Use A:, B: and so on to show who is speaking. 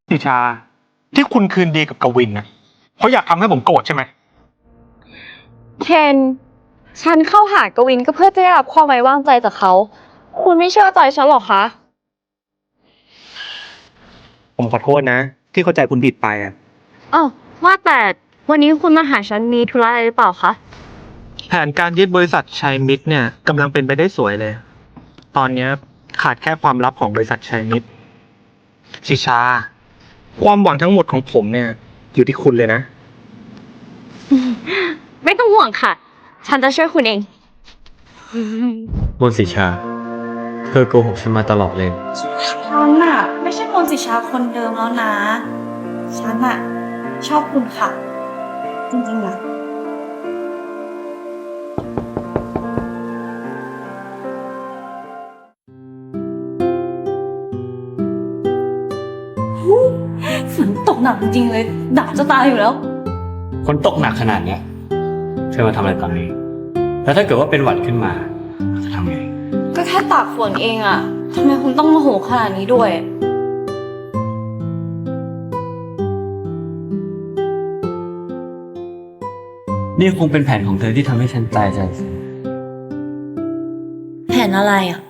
A: นิชาที่คุณคืนดีกับกวินนะเพราะอยากทำให้ผมโกรธใช่ไหม
B: เคนฉันเข้าหากวินก็เพื่อจะได้รับความไว้วางใจจากเขา คุณไม่เชื่อใจฉันหรอคะ
A: ผมขอโทษนะที่เข้าใจคุณผิดไปอ่ะ
B: อ้าวว่าแต่วันนี้คุณมาหาฉันมีธุระอะไรหรือเปล่าคะ
A: แผนการยึดบริษัทชัยมิตรเนี่ยกำลังเป็นไปได้สวยเลย ตอนเนี้ยขาดแค่ความลับของบริษัทชัยมิตรชิชา ความหวังทั้งหมดของผมเนี่ยอยู่ที่คุณเลยนะ
B: ไม่ต้องห่วงค่ะ ฉันจะช่วยคุณเอง
C: มนต์สิชา เธอโกหกฉันมาตลอดเลย
D: ฉันน่ะไม่ใช่มนต์สิชาคนเดิมแล้วนะ ฉันน่ะชอบคุณค่ะ จริงๆนะฝนตกหนักจริงๆเลยหนาวจะตายอยู่แล้ว
C: คนตกหนักขนาดเนี้ยเธอมาทำอะไรตอนนี้ แล้วถ้าเกิดว่าเป็นหวัดขึ้นมาจะทำไง
D: ก็แค่ตากฝนเองอะทำไมคุณต้องโมโหขนาดนี้ด้วย
C: นี่คงเป็นแผนของเธอที่ทำให้ฉันตายใจสิ
D: แผนอะไรอะ